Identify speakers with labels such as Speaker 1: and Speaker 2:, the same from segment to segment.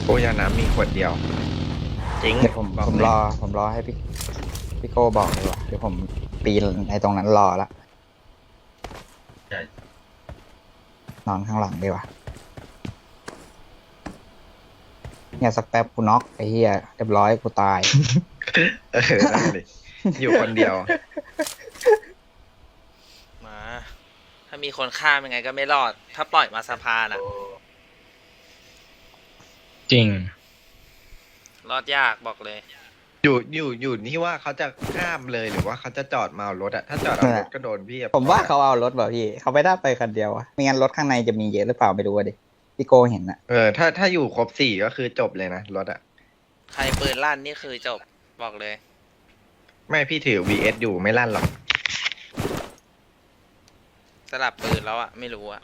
Speaker 1: โอ้ยาน้ำมีขวดเดียวจริง
Speaker 2: เดี๋ยวผม
Speaker 1: บอก
Speaker 2: ผม
Speaker 1: เลย
Speaker 2: รอให้พี่โก้บอกดีกว่าเดี๋ยวผมปีนในตรงนั้นรอละนอนข้างหลังดีกว่าเนี่ยสักแป๊บกูน็อกไอ้เหี้ยเรียบร้อยกูตาย
Speaker 1: นั่นเลยอยู่คนเดียว
Speaker 3: มาถ้ามีคนฆ่ายังไงก็ไม่รอด ถ้าปล่อยมาสะพานอะ
Speaker 4: จริง
Speaker 3: รอดยากบอกเลย
Speaker 1: อยู่ที่ว่าเขาจะข้ามเลยหรือว่าเขาจะจอดมาเอารถอะถ้าจอดเอารถก็โดนพี่อะ
Speaker 2: ผมว่าเขาเอารถแบบพี่เขาไม่ได้ไปคันเดียวอะไม่งั้นรถข้างในจะมีเยอะหรือเปล่าไม่รู้อะดิพี่โก้เห็นอะ
Speaker 1: ถ้าอยู่ครบ4ก็คือจบเลยนะรถอะ
Speaker 3: ใครปืนลั่นนี่คือจบบอกเลย
Speaker 1: ไม่พี่ถือ VS อยู่ไม่ลั่นหรอก
Speaker 3: สลับปืนแล้วอะไม่รู้อะ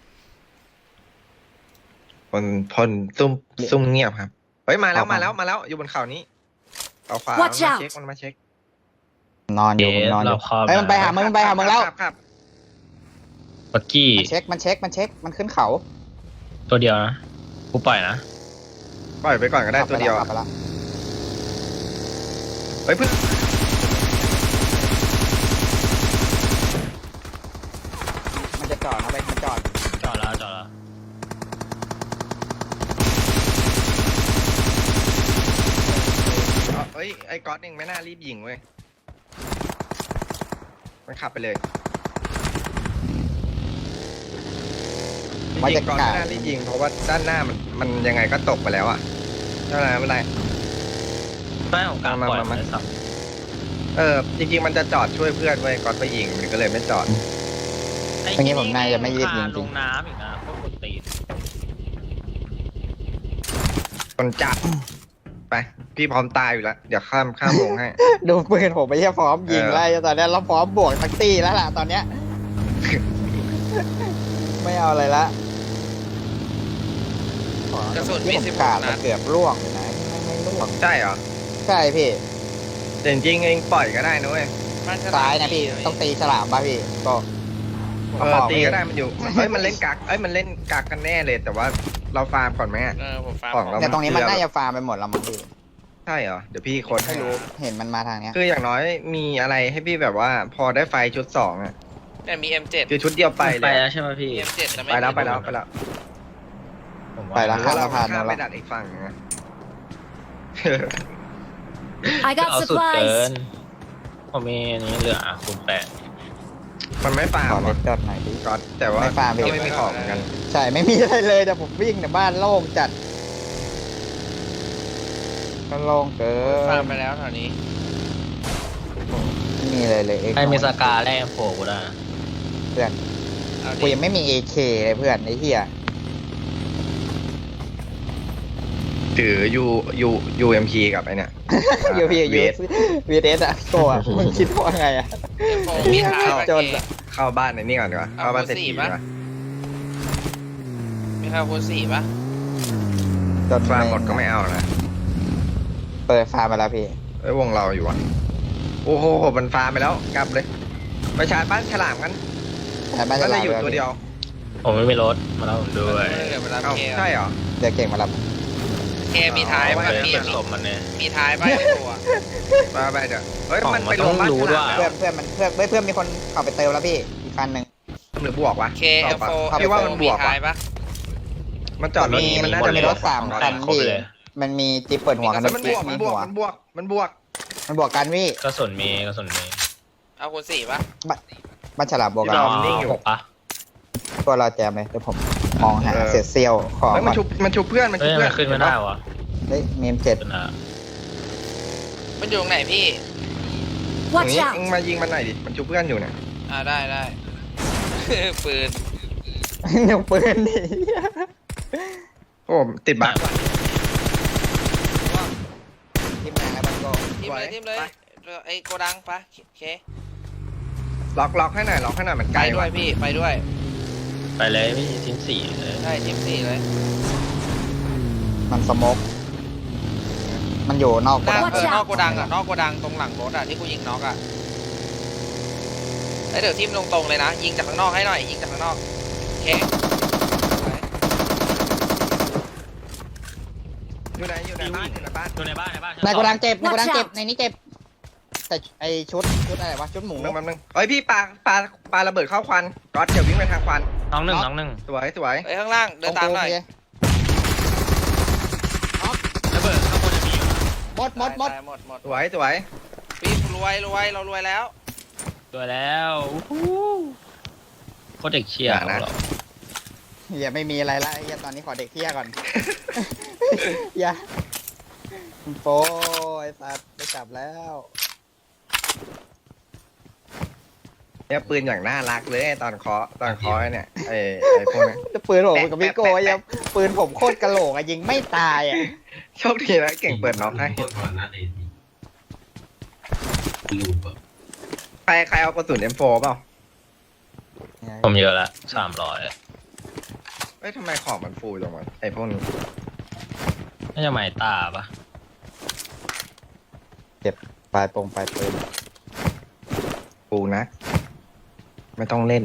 Speaker 1: พลซุ่มเงียบครับเฮ้ยมาแล้วอยู่บนเขานี้เอาขวา
Speaker 5: Watch
Speaker 1: มา
Speaker 5: out
Speaker 1: เช็คมันมาเช็คน
Speaker 2: อนอยู่ผมนอนอยู่
Speaker 4: เราครอบ
Speaker 2: เฮ้ยมันไปหามึงแล้ว
Speaker 1: ครับ
Speaker 4: ปักกี้
Speaker 2: มันเช็คมันขึ้นเขา
Speaker 4: ตัวเดียวนะกูปล่อยนะ
Speaker 1: ปล่อยไปก่อนก็ได้ตัวเดียว
Speaker 2: ขับไปแล้ว
Speaker 1: เฮ้ยเพิ่ง
Speaker 2: มันจะจอดนะมันจอด
Speaker 4: จอดแล้ว
Speaker 1: เอ้ยไอ้ก๊อตเองไม่น่ารีบยิงเว้ยมันขับไปเลยจริงๆก๊อตไม่น่ารีบยิงเพราะว่าด้านหน้ามันยังไงก็ตกไปแล้วอะไม่เป็นไร
Speaker 4: ไม่ของกลางปล่อย
Speaker 1: มา
Speaker 4: เลยสับ
Speaker 1: จริงๆมันจะจอดช่วยเพื่อนเว้ยก๊อตไปยิงมันก็เลยไม่จอด
Speaker 2: อย่างงี้ผมน่าจะไม่รีบยิงจ
Speaker 4: ล
Speaker 2: ริง
Speaker 4: งน้ำอีกนะพวกคนตีน
Speaker 1: คนจัดไปพี่พร้อมตายอยู่แล้วเดี๋ยวข้ามวงให้
Speaker 2: ดูปืนผมไม่ใช่พร้อมยิงไล่ตอนนี้เราพร้อมบวกทักตี้แล้วล่ะตอนเนี้ย ไม่เอาอะไรละ
Speaker 3: กระสุนมี
Speaker 2: ผม
Speaker 3: 16
Speaker 2: ขาด
Speaker 3: นั
Speaker 2: มา
Speaker 3: ด
Speaker 2: เกือบร่วงเลยนะไม่ร่วง
Speaker 1: ใช่เหรอ
Speaker 2: ใช่พี่
Speaker 1: แต่จริงๆเองปล่อยก็ได้นะเว้ย
Speaker 3: บ้านฉลม
Speaker 2: ซ้ายนะพี่ต้องตีฉลามป่ะพี่ก็
Speaker 1: ตีก็ได้มันอยู่มันเล่นกักมันเล่นกักกันแน่เลย แต่ว่าเราฟาร์มก่อนไหมอะ
Speaker 3: ผมฟัง
Speaker 1: ของเรา
Speaker 2: เนี่ยตรงนี้มันน่าจะฟาร์มไปหมดแล้วมั้งพี่
Speaker 1: ใช่เหรอเดี๋ยวพี่ค้นให้
Speaker 2: ไม่รู้เห็นมันมาทางเนี้ย
Speaker 1: คืออย่างน้อยมีอะไรให้พี่แบบว่าพอได้ไฟชุด2อ่ะ
Speaker 3: แต่มี M7
Speaker 1: คือชุดเดียวไป
Speaker 4: ไป
Speaker 1: เลย
Speaker 4: แล้วใช่ไหมพี่
Speaker 3: มี M7 แต่ไม่
Speaker 1: ไปแล้ว
Speaker 3: มี
Speaker 1: ไปแล้ว
Speaker 4: ผม
Speaker 2: ไปแล้ว
Speaker 1: ห
Speaker 4: า
Speaker 1: รือว่าเรา
Speaker 2: ผ่าน
Speaker 1: ข้าม
Speaker 2: แล้ว
Speaker 1: ไปดัดอีกฝั่งนะ
Speaker 5: I
Speaker 4: เอา
Speaker 5: got
Speaker 4: สุดเกิน
Speaker 5: supplies.
Speaker 4: ผมมีอันนี้เหลือคูณ8
Speaker 1: มันไม่ฟาร์
Speaker 2: ขอ
Speaker 1: ม
Speaker 2: ร
Speaker 1: อะ
Speaker 2: ถจอดหน่อยดิ
Speaker 1: ก็แต่ว่า
Speaker 2: ไม่ฟาร์มพี่
Speaker 1: ก็ไม่มีของเหมือนกัน
Speaker 2: ใช่ไม่มีอะไรเลยแต่ผมวิ่งแต่บ้านโล่งจัดก็โล่งเกิ
Speaker 3: ฟัง
Speaker 2: น
Speaker 3: ไปแล้วแถวนี้
Speaker 2: ไม่มีอะไรเลย
Speaker 4: ใครมีสกาแรกโผล่กูได้นะ
Speaker 2: เพื่อน
Speaker 3: เอา
Speaker 2: กู
Speaker 3: ดิ
Speaker 2: ยังไม่มี AK เลยเพื่อนไอ้เหี้ย
Speaker 1: ถือ UMP กับไอเนี่ย
Speaker 2: ยูพียู
Speaker 1: VS
Speaker 2: วีเอสอะโกะมึงคิดว่าไงอะ
Speaker 3: โฟมีท้าย
Speaker 2: เข้า
Speaker 3: ปะ
Speaker 2: จน
Speaker 3: เก
Speaker 1: เข้าบ้านในนี่ก่อนดีกว่าเข้าบ้านเศรษฐีดีกว่า
Speaker 3: มีใครคูณ4ปะ
Speaker 2: จน
Speaker 1: ฟาร์มหมดก็ไม่เอานะ
Speaker 2: เปิดฟาร์มมาแล้วพี่
Speaker 1: ไอ้ยวงเราอยู่อ่ะโอ้โหมันฟาร์มไปแล้วกลับเลยไปชาร์จบ้านฉลามกัน
Speaker 2: แต่บ้าน
Speaker 1: ก็
Speaker 2: จะ
Speaker 1: เล
Speaker 2: ลาย
Speaker 1: อยู่ตัวเดียว
Speaker 4: ผมไม่มีรถมาแล้วผมด้วย
Speaker 3: เดี๋ยวเวลา
Speaker 1: เอ้า
Speaker 3: เค
Speaker 1: ใช่เหรอ
Speaker 2: เดี๋ยวเก่งมารับ
Speaker 3: เคมีท้าย
Speaker 1: เอาไว้
Speaker 3: ปะ
Speaker 4: เฮ้ย
Speaker 3: มี
Speaker 4: เป็นศพมันเนี่ย
Speaker 3: มีท้ายปะไอ้ตัว
Speaker 1: ไปเดี๋ยวเฮ้ย
Speaker 4: ของ
Speaker 1: มัน
Speaker 4: มัน
Speaker 1: ไปลงบ้าน
Speaker 4: ต้องรู้
Speaker 1: ฉ
Speaker 4: ด้
Speaker 1: ลา
Speaker 4: วย
Speaker 1: ม
Speaker 2: เพื่อนมีคนเข้าไปเติมแล้วพี่อีกคันหนึ่ง
Speaker 1: หรือบวกวะ
Speaker 3: เคเอลโฟ
Speaker 1: พี่ว่ามันบวก
Speaker 3: ท้า
Speaker 1: ว่ะ
Speaker 3: ยปะ
Speaker 1: มันจอดรถมันน่าจะ
Speaker 2: มี
Speaker 1: มี
Speaker 2: ร
Speaker 1: ร
Speaker 2: ถ
Speaker 1: ถ
Speaker 2: สามคัน
Speaker 4: ครบ
Speaker 2: พี่
Speaker 4: เลย
Speaker 2: มันมีจิ๊บเปิดหัวกัน
Speaker 1: มันบวก
Speaker 2: มีหัว
Speaker 1: มันบวก
Speaker 2: มันบวกกันพี่
Speaker 4: กระสุนมี
Speaker 3: เอาคูณ4ปะ
Speaker 2: บ้านฉลามบวกกัน
Speaker 1: ร
Speaker 4: ร
Speaker 1: อ
Speaker 4: อ
Speaker 1: นิ่งอยู่
Speaker 4: 6ปะ
Speaker 2: ตัวเราแจมเลยเดี๋ยวผมมองหาเศษเซี่ยวของ
Speaker 1: เฮ้ยมันชุบเพื่อนมัน
Speaker 4: เฮ้
Speaker 1: ชุ
Speaker 4: ย
Speaker 1: บเพื่อน
Speaker 4: มันขึ้นไม่ได้วะ
Speaker 2: เฮ้ยเมมเจ็ด
Speaker 4: เป็นอะ
Speaker 3: มันอยู่ตรงไหนพี่
Speaker 1: อย่าง
Speaker 5: Watch
Speaker 1: นี้
Speaker 5: out.
Speaker 1: เอ็งมายิงมันหน่อยดิมันชุบเพื่อนอยู่เนี่ย
Speaker 3: ได้ ปืน
Speaker 2: เดี๋ยวปืนดิ
Speaker 1: โอ้ติดบั๊กว่ะ
Speaker 2: ทีมงานแล้วมันก็
Speaker 3: ทิมเลยไอ้โกดังปะเค
Speaker 1: ล็อกให้หน่อยมัน
Speaker 3: ไป
Speaker 1: ไกล
Speaker 3: ด้วยพี่ไปด้วย
Speaker 4: ไปเลยพี่ทีม4เลย
Speaker 3: ใช่ทีม4เลย
Speaker 2: มันสโมกมันอยู่นอก
Speaker 3: หน้า
Speaker 2: โกดัง
Speaker 3: นอกโกดังอะนอกโกดังตรงหลังรถอะที่กูยิงน็อกอะเดี๋ยวทิมตรงๆเลยนะยิงจากข้างนอกให้หน่อยยิงจากข้างนอกเค
Speaker 1: อยู่ในบ้าน
Speaker 4: อยู่ในบ้านชั้
Speaker 2: ในโกดัง
Speaker 4: สอ
Speaker 2: เจ็บในโกดัง
Speaker 5: Watch
Speaker 2: เจ็บ
Speaker 5: out
Speaker 2: ในนี้เจ็บแต่ไอชุดอะไรวะชุดหมู
Speaker 1: แป๊บนึงเอ้ยพี่ปาระเบิดเข้าควันก๊อตเดี๋ยววิ่งไปทางควัน
Speaker 4: น้องหนึ่ง
Speaker 1: สวย
Speaker 3: เฮ้ยข้างล่างเดินตามหน่อย
Speaker 4: ระเบิดข้างบนจะมีอยู่นะ
Speaker 2: หมด
Speaker 3: ตายหมด
Speaker 1: สวย
Speaker 3: พี่รวยเรารวยแล้ว
Speaker 4: ตัวแล้วอู้หูโคตรเด็กเชียร์ของเรา
Speaker 2: อย่าไม่มีอะไรละไอ้เหี้ยตอนนี้ขอเด็กเที่ยก่อน อย่าโป้ไอ้สัตว์ไปจับแล้ว
Speaker 1: เนี่ยปืนอย่างน่ารักเลยตอนเคาะเนี่ยไอ้พวกนี้
Speaker 2: ปืนผมกับพี่โก้ยังปืนผมโคตรกะโหลกอะยิงไม่ตายอะ
Speaker 1: โชคดีนะเก่งเปิดน็อกให้
Speaker 6: ก่อนหน้าเดนลูปอะ
Speaker 1: ใครเอากระสุน M4 เปล่า
Speaker 4: ผมเยอะละ300
Speaker 1: เอ้ยทำไมของมันฟูจังวะไอ้พวกนี้
Speaker 4: น่าจะหมายตาปะ
Speaker 2: ปลายปืน
Speaker 1: ฟูนะ ไม่ต้องเล่น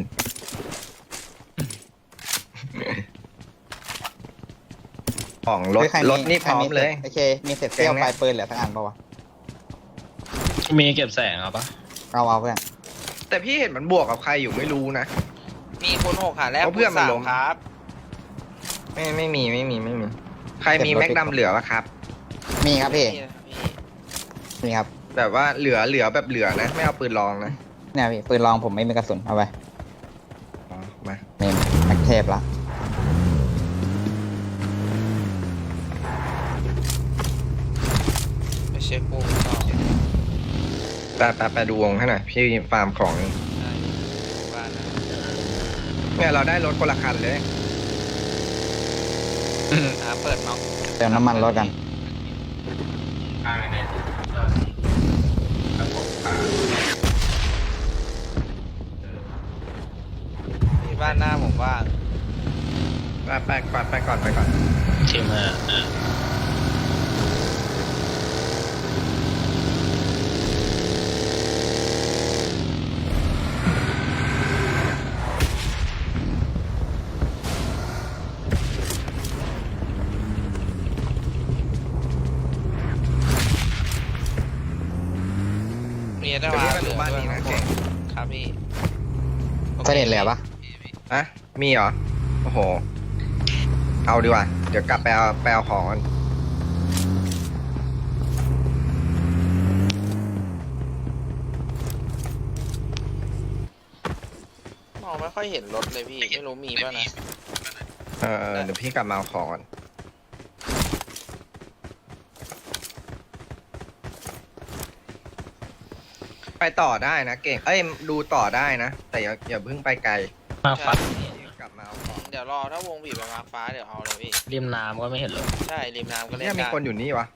Speaker 1: ของรถ
Speaker 2: เฮ้ยใค
Speaker 1: รถนี่พร้อมเลย
Speaker 2: โอเคมีเศษเสี้ยวปลายปืนเหลือทั้งอันปะวะ
Speaker 4: มีเก็บแสงเอาปะ
Speaker 2: เอาเพื่อน
Speaker 1: แต่พี่เห็นมันบวกกับใครอยู่ไม่รู้นะ
Speaker 3: มีคน6หาแรก
Speaker 1: เพราะเพื่อนมันล้ม
Speaker 3: 3ครับ
Speaker 1: ไม่มี ใครมีแม็กดำเหลือปะครับ
Speaker 2: มีครับพี่
Speaker 3: นี่พี่
Speaker 2: มีครับ
Speaker 1: แบบว่าเหลือแบบเหลือนะ ไม่เอาปืนลองนะ
Speaker 2: เนี่ยพี่ปืนลองผมไม่มีกระสุนเอาไป
Speaker 1: อ๋อมา
Speaker 2: นี่แม็กเทปละ
Speaker 3: ไปเช็คปูต่อ
Speaker 1: ไปดูวงให้หน่อยพี่ฟาร์มของอยู่
Speaker 3: ได้บ้านนะ
Speaker 1: เนี่ยเราได้รถคนละคันเลย
Speaker 3: เปิดน็อก
Speaker 2: เติมน้ำมันรถกัน
Speaker 6: ข้างในครับผม
Speaker 3: ที่บ้านหน้าผมว่าง
Speaker 1: ไปก่อน
Speaker 4: ทีม5
Speaker 3: มีได้
Speaker 1: เดี๋ยว
Speaker 3: มา
Speaker 1: พี่มาดูบ้านนี้นะเก่ง
Speaker 3: ครับพี่
Speaker 2: เสด็จเลยปะ
Speaker 1: อะมีเหรอ โอ้โห เอาดีกว่า เดี๋ยวกลับไปเอาของก่อน
Speaker 3: มองไม่ค่อยเห็นรถเลยพี่ ไม่รู้มีป่ะนะ
Speaker 1: เดี๋ยวพี่กลับมาเอาของก่อนไปต่อได้นะเก่ง เอ้ยดูต่อได้นะ แต่อย่าเพิ่งไปไกล
Speaker 4: มาฟัด
Speaker 1: กลับมาเอาของ
Speaker 3: เดี๋ยวรอถ้าวงบีบไปมาฟ้าเดี๋ยวเอาเลยพี่
Speaker 4: ริมน้ำก็ไม่เห็นเลย
Speaker 3: ใช่ริมน้ำก็เล่น
Speaker 1: เนี่ยมี
Speaker 3: ได้
Speaker 1: คนอยู่นี่วะ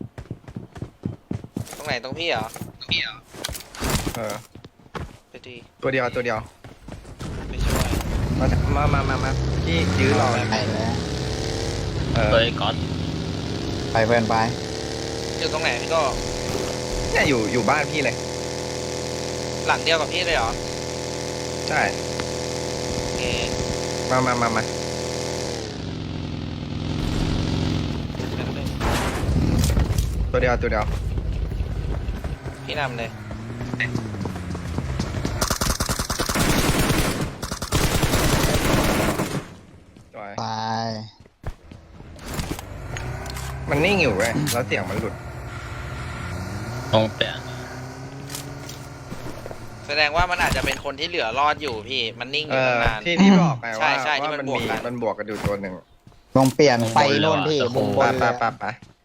Speaker 3: ตรงไหนตรงพี่เหรอ
Speaker 1: เออ
Speaker 3: ไปดี
Speaker 1: ตัวเดียว
Speaker 3: ไปช่วย
Speaker 1: มาพี่ยื้อรอ
Speaker 2: ไปเลย
Speaker 1: เออ
Speaker 4: เฮ้ยก๊อต
Speaker 2: ไปเพื่อนไป
Speaker 3: อยู่ตรงไหนพี่ก็
Speaker 1: เนี่ยอยู่บ้านพี่เลย
Speaker 3: หลังเดียวกับพี่เลยเหรอ
Speaker 1: ใช่
Speaker 3: โอเค
Speaker 1: มา
Speaker 3: แป๊บนึง
Speaker 1: ตัวเดียว
Speaker 3: พี่นำเลย
Speaker 1: สวย
Speaker 2: ไป
Speaker 1: มันนิ่งอยู่เว้ยแล้วเสียงมันหลุด
Speaker 4: ลงเปลี่ยน
Speaker 3: แสดงว่ามันอาจจะเป็นคนที่เหลือรอดอยู่พี่ มันนิ่งอ
Speaker 1: เอยู่ อ
Speaker 3: ตั้งนาน
Speaker 1: ที่บอกไป
Speaker 3: ใช่
Speaker 1: ว่า
Speaker 3: ใช่ที่
Speaker 1: ว่า
Speaker 3: มัน
Speaker 1: มัน
Speaker 3: บวก
Speaker 1: มี
Speaker 3: กัน
Speaker 1: มันบวกกันอยู่ตัวหนึ่ง
Speaker 2: ลงเปลี่ยนไปโน่นพี่บุงบนเลย
Speaker 1: ไป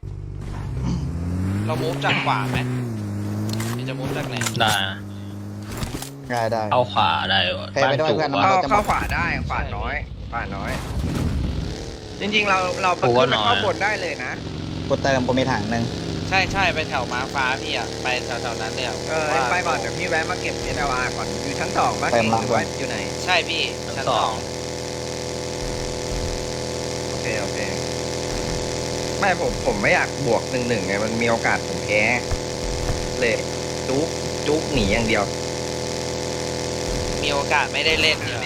Speaker 3: เรามูฟจากขวาไหมหรือจะมูฟจากไหน
Speaker 4: ได้นะ
Speaker 2: ได้
Speaker 4: เอาขวาได้วะ
Speaker 2: ไปไปด้วย
Speaker 4: จุก
Speaker 2: เพื่อน
Speaker 4: วะ
Speaker 1: เข้าขวาได้ขวาน้อย จริงๆเราไป
Speaker 4: กู
Speaker 1: ขึ้
Speaker 4: ว่าน
Speaker 1: ไป
Speaker 4: น้อย
Speaker 1: เข้าบนได้เลยนะ
Speaker 2: กูเติมกูมีถังหนึ่ง
Speaker 3: ใช่ไปแถวม้าฟ้าพี่อ่ะ ไปแถวๆนั้นเลยอะ
Speaker 1: ไปก่อนเดี๋ยวพี่แวะมาเก็บเอทาวาก่อนอยู่ชั้น2บ้านเก่งหรือว่าอยู่ไหน
Speaker 3: ใช่พี่ชั้นสอง
Speaker 1: โอเคไม่ผมไม่อยากบวก1-1ไงมันมีโอกาสผมแพ้เลยจุกหนีอย่างเดียว
Speaker 3: มีโอกาสไม่ได้เล่นเนี่ย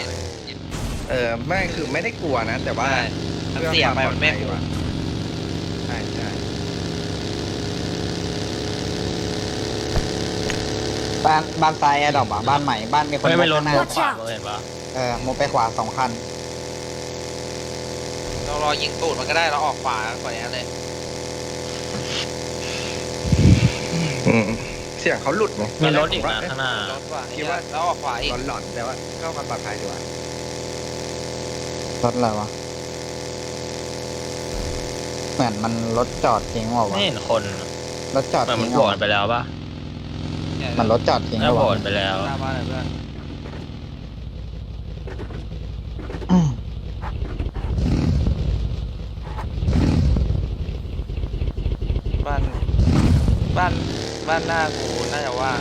Speaker 1: ไม่คือไม่ได้กลัวนะ แต่ว่า
Speaker 3: ใช่มันเสี่ยงไปมันไม่คุ้ม
Speaker 1: ใช่
Speaker 2: บ้านซ้ายแอร์ดรอปอ่ะบ้านใหม่บ้านมีคน
Speaker 4: ไม่รถ
Speaker 2: ข้างหน้า
Speaker 4: มุดขวาเห็นปะ
Speaker 2: มุดไปขวา2 คัน
Speaker 3: เรารอยิงตูดมันก็ได้เราออกขวาก่อนนี้เลย
Speaker 1: อืมเสียงเขาหลุดไหม
Speaker 4: มีรถอีกนะข้างหน้าร
Speaker 3: ถว่ะ
Speaker 1: คิดว่า
Speaker 3: แล้วออกขวาอีก
Speaker 1: หลอนๆแต่ว่าก็ความปลอดภัยดีกว่าร
Speaker 2: ถอะไรวะเหมือนมันรถจอดทิ้งว่ะ
Speaker 4: ไม่เห็นคน
Speaker 2: รถจอด
Speaker 4: มัน
Speaker 2: ทิ้ง
Speaker 4: โหว
Speaker 2: ว่ะ
Speaker 4: ตไปแล้วปะ
Speaker 2: มันรถจอดทิ้ง
Speaker 4: แล้วโหว
Speaker 2: ว่ะ
Speaker 4: ตไปแล้ว
Speaker 3: หน้าบ้านเลยเพื่อน
Speaker 2: อืม
Speaker 3: บ้านบ้านหน้ากูน่าจะว่าง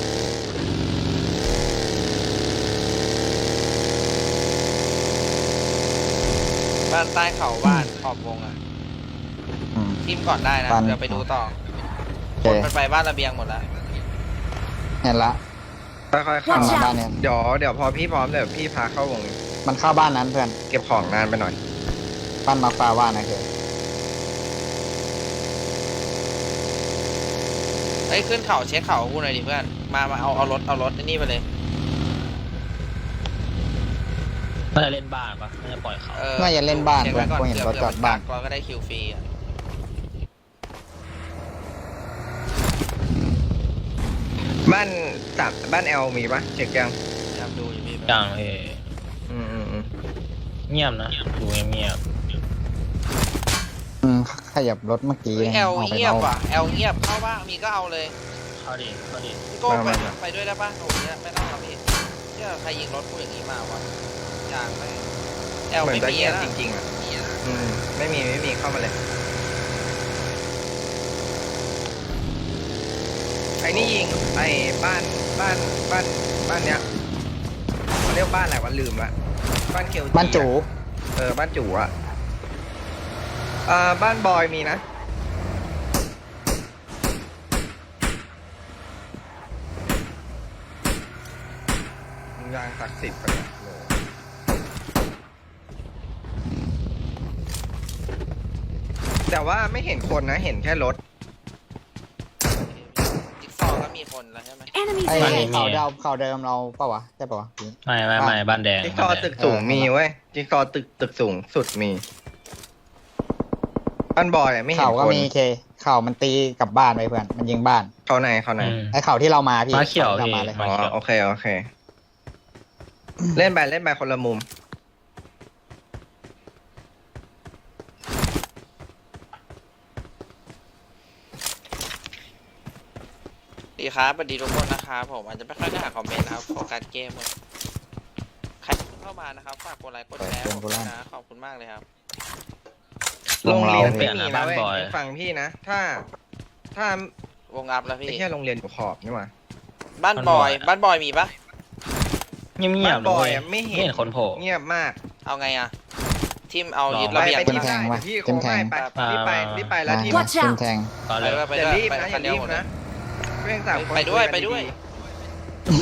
Speaker 3: บ้านใต้เขาบ้านขอบวงอ่ะ
Speaker 2: อืม
Speaker 3: ทิมก่อนได้นะ
Speaker 2: บ้าน
Speaker 3: เดี๋ยวไปดูต่อ
Speaker 2: โอ
Speaker 3: ค
Speaker 2: เคน
Speaker 3: มันไปบ้านระเบียงหมดแล้ว
Speaker 2: เห็นละ
Speaker 1: ค่อยๆเข้า
Speaker 2: มัน
Speaker 5: Watch
Speaker 2: มา
Speaker 5: out
Speaker 2: บ้านเนี่ย
Speaker 1: เดี๋ยวพอพี่พร้อมเดี๋ยวพี่พาเข้าวง
Speaker 2: มันเข้าบ้านนั้นเพื่อน
Speaker 1: เก็บของนานไปหน่อย
Speaker 2: บ้านมาฟ้าว่านะคือ
Speaker 3: เฮ้ยขึ้นเขาเช็คเขากูหน่อยดิเพื่อนมาเอารถนี่ไปเลย
Speaker 4: น่าจะเล่นบ้านปะน่าจะปล่อยเขา
Speaker 2: น่าจะเล่นบ้าน
Speaker 3: เช็ค
Speaker 2: เพื่อ
Speaker 3: ไว้
Speaker 2: น
Speaker 3: ก่อน
Speaker 2: กูเห็นรถจ
Speaker 3: เผื่
Speaker 2: อดบ้าน
Speaker 3: ก็ได้คิวฟรีอ่ะ
Speaker 1: บ้านแอลมีปะเช็คยัง
Speaker 3: พยายามดูอยู่พี่
Speaker 4: กลางเอ
Speaker 1: อืม
Speaker 4: เงียบนะดูเงียบ
Speaker 2: ขยับรถเมื่อกี้
Speaker 3: เฮ้ยแอล
Speaker 2: อาไป
Speaker 3: เงียบ
Speaker 2: อา
Speaker 3: ว่ะแอลเงียบเข้าบ้างมีก็เอาเลย
Speaker 4: ๆเข้าดิ
Speaker 3: พี่โก้ไปด้วยได้ปะโอ้ยไม่ต้องหรอกพี่เชื่อใครยิงรถกูอย่างนี้มาวะอย่างไม่แอล
Speaker 1: เหมือ
Speaker 3: ไม่
Speaker 1: นจะ
Speaker 3: มี
Speaker 1: เงียบ
Speaker 3: นะ
Speaker 1: จริงๆอ่ะไม่มีเข้ามาเลยไอ้นี่ยิงไอ้บ้านเนี้ยเขาเรียกบ้านอะไรวะลืมละบ้านเคียวจี
Speaker 2: บ้านจู
Speaker 1: บ้านจูอ่ะบ้านบอยมีนะยางศักดิ์สิทธิ์ไปนะโลแต่ว่าไม่เห็นคนนะเห็นแค่รถ
Speaker 3: จิ๊กซอว์ก็มีคนแล้วใช่ไหม
Speaker 5: Enemies
Speaker 2: ไอ้
Speaker 5: ahead!
Speaker 2: เขาเดิมเราปะวะใช่ปะวะ
Speaker 4: ไม่บ้านแดง
Speaker 1: จิ๊กซอว์ตึกสูงมีเว้ยจิ๊กซอว์ตึกสูงสุดมีบ้านบอยอะไม่เห็น
Speaker 2: เขาก็
Speaker 1: คน
Speaker 2: มีเคเขามันตีกับบ้านไปเพื่อนมันยิงบ้าน
Speaker 1: เขาไหน
Speaker 2: ไอ้เขาที่เรามาพี่
Speaker 4: มาเขียว
Speaker 2: เรา
Speaker 4: พี่
Speaker 2: มาเลย
Speaker 1: อ๋อโอเคเล่นไปคนละมุม
Speaker 3: ดีครับสวัสดีทุกคนนะครับผมอาจจะไม่ค่อยได้อ่านคอมเมนต์นะครับโฟกัสเกมหมดใครเข้ามานะครับฝากกดไลค์กดแชร์ผมด้วยนะขอบคุณมากเลยครับ
Speaker 1: โรงเรียน
Speaker 4: เปลี่
Speaker 1: ไม่
Speaker 4: ยน
Speaker 1: มี
Speaker 4: นะ
Speaker 1: นะ
Speaker 4: บ้าน
Speaker 1: เว้ย
Speaker 4: บอย
Speaker 1: ฟังพี่นะ ถ้าว
Speaker 3: งอัพแล้ว
Speaker 1: ไอ้
Speaker 3: พี่
Speaker 1: แค่โรงเรียนอยู่ขอบนี่หว่า
Speaker 3: บ้านบอยมีปะ
Speaker 4: เงียบ
Speaker 1: บ้าน
Speaker 4: ๆ
Speaker 1: บอย
Speaker 4: เลย
Speaker 1: อะไม่
Speaker 4: ไม่
Speaker 1: เห็
Speaker 4: เห็
Speaker 1: น
Speaker 4: นคนโผล่
Speaker 1: เงียบมาก
Speaker 3: เอาไงอะทิมเอา
Speaker 4: ลอง
Speaker 3: ยึด
Speaker 1: ไประ
Speaker 3: เบียง
Speaker 1: ไป
Speaker 2: จิ้
Speaker 1: ที่
Speaker 2: มแท
Speaker 1: ได้
Speaker 2: งว่ะ
Speaker 1: พี่โค
Speaker 2: จิ้มแท
Speaker 1: ไม่
Speaker 2: ง
Speaker 1: ไปรีบไปแล้วที่
Speaker 5: Watch
Speaker 2: จิ้ม
Speaker 5: out
Speaker 2: แทง
Speaker 4: ก็เล
Speaker 3: ไป
Speaker 4: ย
Speaker 3: ด้วยไป
Speaker 1: อย่า
Speaker 3: ด้วย
Speaker 1: รีบ
Speaker 3: ไป
Speaker 1: นะอ
Speaker 3: คัน
Speaker 1: ย่า
Speaker 3: เดียว
Speaker 1: รีบ
Speaker 3: หมดเลย
Speaker 1: นะเรื่องต่างคน
Speaker 3: ไปด้วย
Speaker 1: คุ
Speaker 3: ไป
Speaker 1: กัน
Speaker 3: ด้วย
Speaker 1: ดี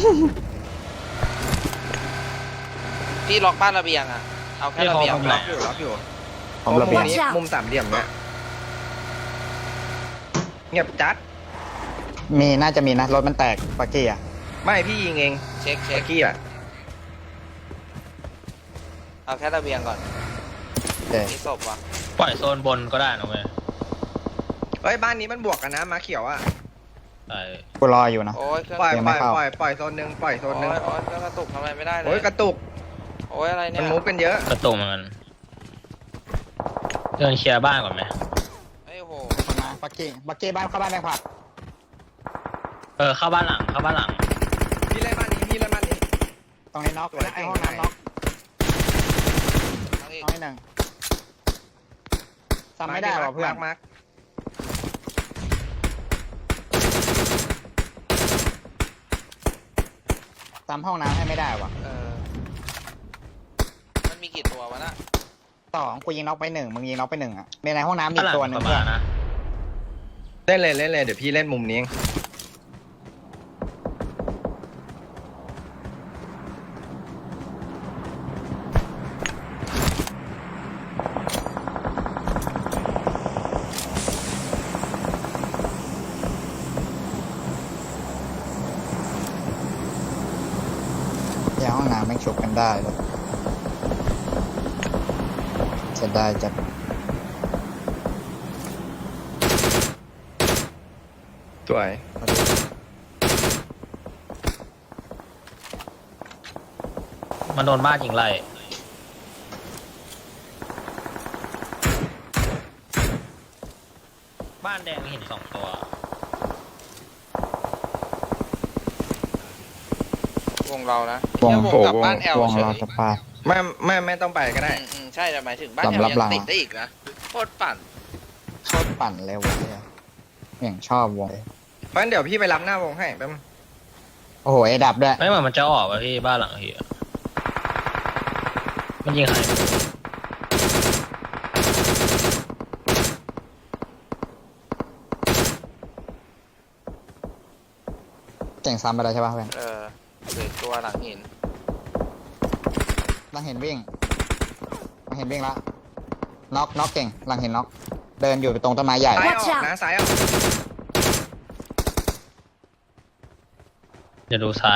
Speaker 3: พี่ล็อกบ้านระเบียงอะเอาแค่ระเบียง
Speaker 1: ๆล็อกอยู่
Speaker 2: ผมระเบียง
Speaker 1: มุมนี้มุมสามเหลี่ยมเนี่ยเงียบจัด
Speaker 2: น่าจะมีนะรถมันแตกปักกี้อ่ะ
Speaker 1: ไม่พี่ยิงเอง
Speaker 3: เช็ค
Speaker 1: เมื่อกี้อ่ะ
Speaker 3: เอาแค่ระเบียงก่อน
Speaker 2: โอเค
Speaker 3: มีศพวะ
Speaker 4: ปล่อยโซนบนก็ได้นะเว้ย
Speaker 1: เฮ้ยบ้านนี้มันบวกกันนะมาเขียวอ่ะ
Speaker 4: ใช่
Speaker 2: กูรออยู่นะ
Speaker 3: โอ้ยเครื่อง
Speaker 1: ปล่อย
Speaker 2: ยัง
Speaker 1: ป
Speaker 2: ไม่
Speaker 1: ล่อย
Speaker 2: เข้า
Speaker 1: ปล่อยโซนหนึ่งปล่อยโซนหนึ่ง
Speaker 3: โอ้ยเครื่องกระตุกทำอะไรไม่ได้เลย
Speaker 1: โอ้ยกระตุก
Speaker 3: โอ้ยอะไรเนี่
Speaker 1: มัน
Speaker 3: ย
Speaker 1: มูฟกันเยอะ
Speaker 4: กระตุกเหมือนกันเดินเคลียร์บ้านก่อนไหม
Speaker 3: ไอ้ยโห
Speaker 2: มาปักกี้บ้านเข้าบ้านแบงค์ผัก
Speaker 4: เข้าบ้านหลัง
Speaker 1: พี่เล่นบ้านนี้
Speaker 2: ตรงนี้น็อกไอ้ห้องน้ำน็อก
Speaker 3: เอาอีก
Speaker 2: น้อยหนึ่งซ้ำไม่ได้หรอเพื่อน
Speaker 1: มาร์ค
Speaker 2: ซ้ำห้องน้ำให้ไม่ได้ว่ะ
Speaker 3: มันมีกี่ตัววะน่ะ
Speaker 2: 2กูยิงน็อกไป1มึงยิงน็อกไป1อ่ะในห้องน้ำมี
Speaker 4: บ้านหลัง
Speaker 2: ตัวหนึ่ง
Speaker 4: ประ
Speaker 2: เพื่
Speaker 4: มา
Speaker 2: อน
Speaker 4: ณนะ
Speaker 1: เล่นเลยเดี๋ยวพี่เล่นมุมนี้เอง
Speaker 2: ชกกันได้เลยจะได้จะ
Speaker 1: สวย
Speaker 4: มันโดนบ้านยิงไล่บ้านแดงเห็น2 ตัว
Speaker 3: วงเรานะ
Speaker 2: วง
Speaker 3: เนี่ยวงกลับบ้านแอล
Speaker 2: วง
Speaker 3: เฉ
Speaker 2: เรา
Speaker 3: ย
Speaker 2: สปา
Speaker 1: ไม่ต้องไปก็ได้
Speaker 3: ใช่แต่หมายถึงบ้านแอล
Speaker 2: สำหรับ
Speaker 3: ยัง
Speaker 2: เรา
Speaker 3: ติดได้อีกนะโคตรปั่น
Speaker 2: ชอบปั่นเลยวงเนี่ยอย่างชอบวงเลย
Speaker 1: เพราะฉะนั้นเดี๋ยวพี่ไปรับหน้าวงให้แป๊บนึง
Speaker 2: โอ้โหไอ้ดับด้วย
Speaker 4: ไม่เหมือนมันจะออกว่ะพี่บ้านหลังเฮียมันยิงใคร
Speaker 2: เก่งซ้ำไปแล้วใช่ป่ะเพื่อน
Speaker 3: เหลือตัวหลังหิน
Speaker 2: หลังเห็นวิ่งหลังเห็นวิ่งละน็อกเก่งหลังเห็นน็อกเดินอยู่ตรงต้นไม้ใหญ่
Speaker 1: ซ้ายอ
Speaker 5: Watch
Speaker 1: อก
Speaker 5: out
Speaker 1: นะซ้ายออก
Speaker 4: จะดูซ้าย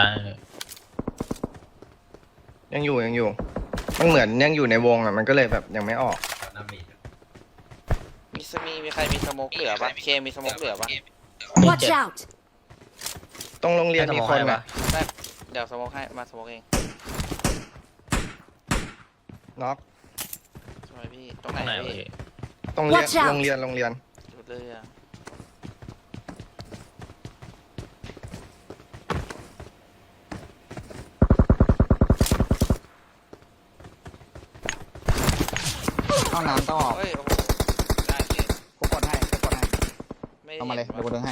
Speaker 1: ยังอยู่มันเหมือนยังอยู่ในวงอ่ะมันก็เลยแบบยังไม่ออก
Speaker 6: น้ำมีด
Speaker 3: มีใครมีสโมกเหลือปะเคมีสโมกเหลือปะ
Speaker 5: Watch out!
Speaker 1: ตรงโรงเรียนมีคนอ่ะ
Speaker 3: ได้เดี๋ยวสโมกให้มาสโมกเอง
Speaker 1: น็อก
Speaker 3: ใช่ไหมพี่ตรงไหน
Speaker 4: ข้างในวะ
Speaker 3: พี่
Speaker 4: พี่
Speaker 1: ตรงเรียน
Speaker 5: Watch out
Speaker 1: โรงเรียน
Speaker 3: ดูเรือ
Speaker 2: ห้องน้ำต้องออก
Speaker 3: เฮ้ยโอ้โหได้พี่
Speaker 2: กูกดให้
Speaker 3: ไม่
Speaker 2: เอามาเลย
Speaker 3: ห็น
Speaker 2: เดี๋ยวกูดึงให้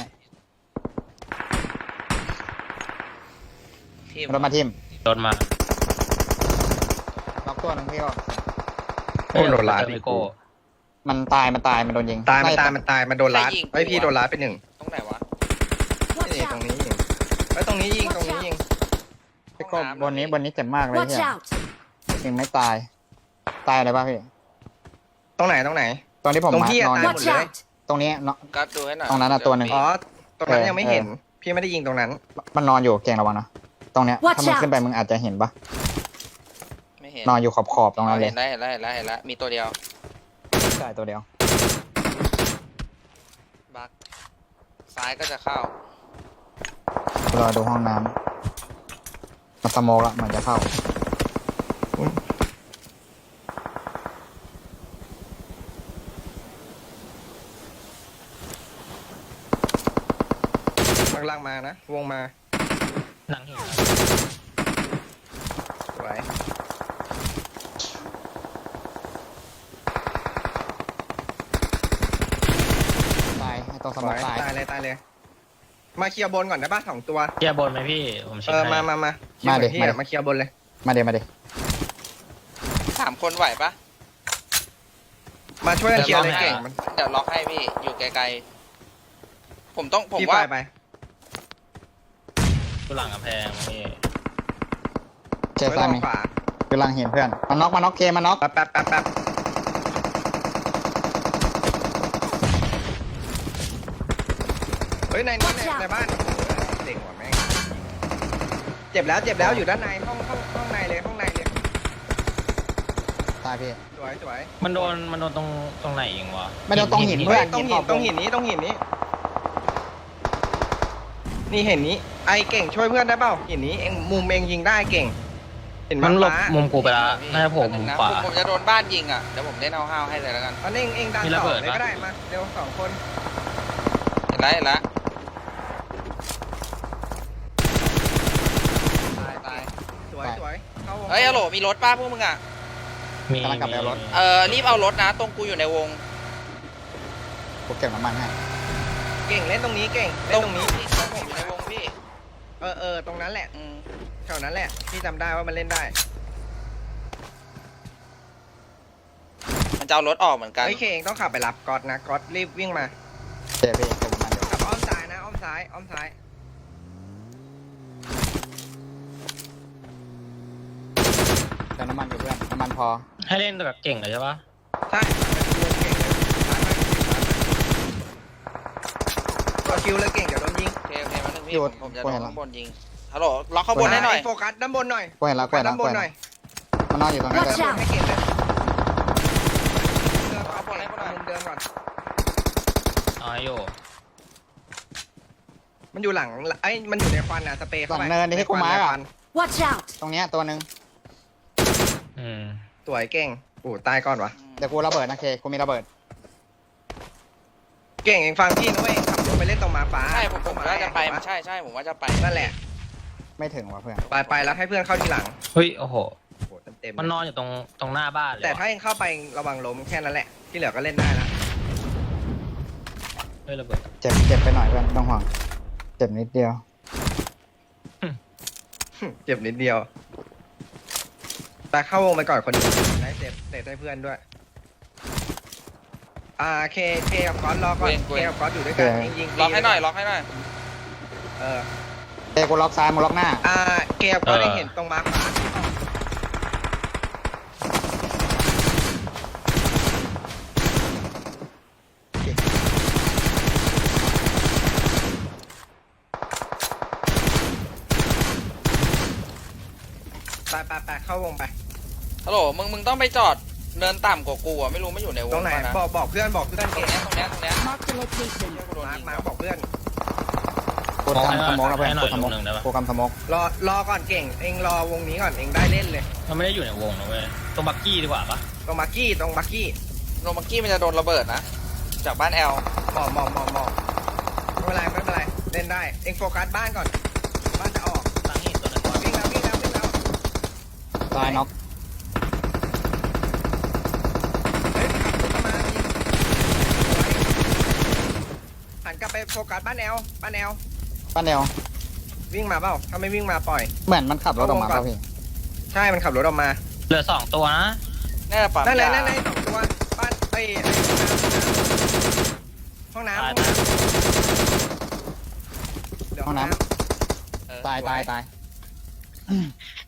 Speaker 3: ทีม
Speaker 2: รถมาทิม
Speaker 4: โดนมา
Speaker 2: น็อกตัวหนึงพี่ก็
Speaker 1: โอ้โดนลาด
Speaker 4: เจอ
Speaker 1: อี
Speaker 4: มิ
Speaker 1: ก
Speaker 4: โก้
Speaker 2: มันตายมันโดนยิง
Speaker 1: ตายมัน
Speaker 2: ไล่
Speaker 1: ตายมันโดนลาดไอยพี่โดนลาดไปหนึ่ง
Speaker 3: ตรงไหนวะ
Speaker 5: Watch
Speaker 1: นี่ตรง
Speaker 5: out!
Speaker 1: นี้ยิงไอยตรงนี้ยิงตรงนี้ยิง
Speaker 2: พี่ก็บนนี้เจ็บมากเลย
Speaker 5: Watch
Speaker 2: เนี่ย
Speaker 5: out!
Speaker 2: ยิงไม่ตายอะไรป่ะพี่
Speaker 1: ตรงไหน
Speaker 2: ตอนที่ผม
Speaker 1: ตรง
Speaker 2: มา
Speaker 1: พี่อะ
Speaker 2: นอน
Speaker 1: ตาย
Speaker 5: Watch out!
Speaker 2: ตรงนี้เนาะ
Speaker 3: กัดดูให้หน่อย
Speaker 2: ตรงนั้นน่ะตัวหนึ่ง
Speaker 1: อ๋อตรงนั้น
Speaker 2: เออ
Speaker 1: ยังไม่เห็น พี่ไม่ได้ยิงตรงนั้น
Speaker 2: มันนอนอยู่เก่งระวังนะตรงเนี้ย
Speaker 5: Watch
Speaker 2: ถ้ามึง
Speaker 5: out
Speaker 2: ขึ้นไปมึงอาจจะเห็นปะ
Speaker 3: ไม่เห็น
Speaker 2: นอนอยู่ขอบตรงนั้นเลย
Speaker 3: เห็นแล้วมีตัวเดียว
Speaker 2: ใช่ตัวเดียว
Speaker 3: บักซ้ายก็จะเข้าร
Speaker 2: อดูห้องน้ำมาสโมกละมันจะเข้า
Speaker 1: ลังมานะ วงมา
Speaker 4: หนังหิน
Speaker 1: สวย
Speaker 2: ตายให้ตัวส
Speaker 1: ส
Speaker 2: โม
Speaker 1: ว
Speaker 2: ก
Speaker 1: ย
Speaker 2: ตาย
Speaker 1: ตายเลย มาเคลียร์บนก่อนได้ป่ะ2 ตัว
Speaker 4: เกียร์บนไหมพี่ ผมเช็ค
Speaker 1: มา
Speaker 4: ให้
Speaker 1: มาคิดเหมือนพี่อะมาเคลียร์บนเลย
Speaker 2: มาเดี๋ยว
Speaker 3: 3 คนไหวปะ
Speaker 1: มาช่วยกันเคลียร์เลยเก่งมัน
Speaker 3: เดี๋ยวล็อกให้พี่อยู่ไกลๆผม
Speaker 1: พี่
Speaker 3: ว่า
Speaker 1: ไป
Speaker 4: กูหลังกำแพงพี่
Speaker 2: เจอ
Speaker 1: ไม่
Speaker 2: ซ้า
Speaker 1: ต้
Speaker 2: ย
Speaker 1: อง
Speaker 2: มี
Speaker 1: ขวา
Speaker 2: กำลังเห็นเพื่อนมันน็อกเคมันน็อก
Speaker 1: แป๊บเฮ้ยในนี้ในบ้านเด็กว่ะแม่งเจ็บแล้วอยู่ด้านในห้องในเลย
Speaker 2: ตายพี่
Speaker 1: สวย
Speaker 4: มันโดนตรงไหนยิงวะ
Speaker 2: ไม่โดนตรงหินเพื่อน
Speaker 1: ต้องหินนี้นี่เห็นนี้ไอเก่งช่วยเพื่อนได้เปล่าหินนี้เองมุมเองยิงได้เก่ง เห็น
Speaker 4: มันหลบ
Speaker 1: ฟ้า
Speaker 4: มุมกูไปแล้วน่าจะโผล่มุมขวา
Speaker 3: ผมจะโดนบ้านยิงอ่ะเดี๋ยวผมเล่นเอาห้าวให้เลยแล้วกัน
Speaker 1: อันนี้เองดัน
Speaker 4: มีระ
Speaker 1: ต่
Speaker 4: เบิ
Speaker 1: อ
Speaker 4: ด
Speaker 1: เลย
Speaker 4: ปะ
Speaker 1: ก็ได้มาเร็ว2 คน
Speaker 3: เห็นแล้ว
Speaker 1: ตายสวยเข้าวง
Speaker 3: เฮ้ยฮัลโหลมีรถป้าพวกมึงอ่ะ
Speaker 4: มี
Speaker 2: กำลังกลับไปเอารถ
Speaker 3: รีบเอารถนะตรงกูอยู่ในวง
Speaker 2: กูเก็บน้ำมันให้
Speaker 1: เก่งเล่นตรงนี้เก่งเล่นตรงนี้
Speaker 3: ผมอยู่ในวงพี่
Speaker 1: ตรงนั้นแหละ
Speaker 3: อืม
Speaker 1: แถวนั้นแหละพี่จำได้ว่ามันเล่นได้
Speaker 3: มันจะเอารถออกเหมือนกัน
Speaker 1: เฮ้ยเคเองต้องขับไปรับก๊อตนะก๊อตรีบวิ่งมา
Speaker 2: เจอพี่เก็บน้ำมันเดี๋ยว
Speaker 1: ขับอ้อมซ้ายนะอ้อมซ้าย
Speaker 2: เติมน้ำมันอยู่เพื่อนน้ำมันพอ
Speaker 4: ให้เล่นแบบเก่งเลยใช่ปะ
Speaker 1: ใช่ตัวคิวเลยเก่งเดี๋ยวโดนยิง
Speaker 3: โอเคมาหนึ่งพี่ผมจะโดนข้างบนยิงฮัลโหลล็อกข้างบนให้หน่อย
Speaker 1: โฟกัสด้านบนหน่อย
Speaker 2: กูเห็นแล้วกูเห็นแล้ว
Speaker 1: ด้านบ
Speaker 2: กู
Speaker 1: น
Speaker 2: เห็น
Speaker 1: หน่
Speaker 2: แล้
Speaker 1: อ
Speaker 2: วย มันนอนอยู่ตรงนั้น
Speaker 5: Watch
Speaker 2: เลย
Speaker 5: out
Speaker 1: ให้เก็บเลยเดินเอาบนให้มุมเดิมก่อน
Speaker 4: เอาให้อยู่
Speaker 1: มันอยู่หลังไอ้ยมันอยู่ในควันอ่ะสเปรย์
Speaker 2: ห
Speaker 1: เข้า
Speaker 2: ลัง
Speaker 1: ไป
Speaker 2: เนินที่กูมาร์ก
Speaker 1: ในค
Speaker 2: อ่ะ
Speaker 1: วัน
Speaker 5: Watch out!
Speaker 2: ตรงเนี้ยตัวหนึ่ง
Speaker 4: อืม
Speaker 1: สวยเก่งโอ้ตายก่อนวะ
Speaker 2: เดี๋ยวกูระเบิดนะเคกูมีระเบิด
Speaker 1: เก่งเองฟังพี่นะเว้ยขับรถไปเล่นตรงมาฟ้า
Speaker 3: ใช่ผมว่าจะไปใช่ใช่ผมว่าจะไป
Speaker 1: นั่นแหละ
Speaker 2: ไม่ถึงว่ะเพื่อน
Speaker 1: ไปแล้วให้เพื่อนเข้าทีหลัง
Speaker 4: เฮ้ย โอ้โห
Speaker 1: โอ้โหเต็มๆ
Speaker 4: มันนอนอยู่ตรงหน้าบ้านเลย
Speaker 1: แต่ถ้า
Speaker 4: ว่ะ
Speaker 1: เองเข้าไประวังล้มแค่นั้นแหละ ที่เหลือก็เล่นได้ละ
Speaker 4: เฮ้ยระเบิด
Speaker 2: เจ็บไปหน่อยเพื่อนไม่ต้องห่วงเจ็บนิดเดียว
Speaker 1: เจ็บนิดเดียวแต่เข้าวงไปก่อนคนหนึงได้เซฟให้เพื่อนด้วยเคกับก๊อตรอก่อนเคกับก๊อตอยู่ด้วยกันยิง
Speaker 3: ล็อกให้หน่อยล็อกให้หน่อย
Speaker 1: เออ
Speaker 2: เคกูล็อกซ้ายมึงล็อกหน้า
Speaker 1: เคกับก๊อตได้เห็นตรงมาร์คฟ้าไปเข้าวงไป
Speaker 3: ฮัลโหลมึงต้องไปจอดเดินต่ำกว่ากูอ่ะไม่รู้ไม่อยู่ในวง
Speaker 1: ตรงไหน
Speaker 3: ป่ะนะ
Speaker 1: บอกเพื่อนเก่ง
Speaker 3: ตรงเนี้ย
Speaker 5: Mark the location.
Speaker 3: กูโดน
Speaker 1: มา
Speaker 3: ยิง
Speaker 1: ร์คบอกเพื่อน
Speaker 2: กูทำสโมกแล้วเพื่อน
Speaker 4: ให้หน่
Speaker 2: กู
Speaker 4: อย
Speaker 2: ทำส
Speaker 4: ลู
Speaker 2: โม
Speaker 4: ก
Speaker 2: ก
Speaker 4: หนึ่งได้ปะ
Speaker 2: กูทำสโมก
Speaker 1: รอก่อนเก่งเองรอวงนี้ก่อนเองได้เล่นเลย
Speaker 4: มันไม่ได้อยู่ในวงนะเว้ยตรงบักกี้ดีกว่าปะ
Speaker 1: ตรงบักกี้
Speaker 3: โนมักกี้มันจะโดนระเบิดนะจากบ้านแอล
Speaker 1: หมอบไม่เป็นไรเล่นได้ เองโฟกัสบ้านก่อน บ้านจะออก
Speaker 4: ตั้งอีกตัวหนึงก่อน
Speaker 1: วิ่งแล้ว
Speaker 2: ตายน็อก
Speaker 1: เฮ้ยขับรถมายิงหันกลับไปโฟกัสบ้านแอล
Speaker 2: ป้าเดียว
Speaker 1: วิ่งมาเปล่า ถ้าไม่วิ่งมาปล่อย
Speaker 2: เหมือนมันขับรถออกมาป่ะพี่
Speaker 1: ใช่ มันขับรถออกมา
Speaker 4: เหลือ2ตัวนะ
Speaker 3: น่าจะปั๊ม
Speaker 1: นั่นเลย
Speaker 3: ยา
Speaker 1: สองตัว บ้านห้องน้ำ
Speaker 4: ตาย
Speaker 1: เดี๋ยว
Speaker 2: ห้องน้
Speaker 3: เออ
Speaker 2: ตาย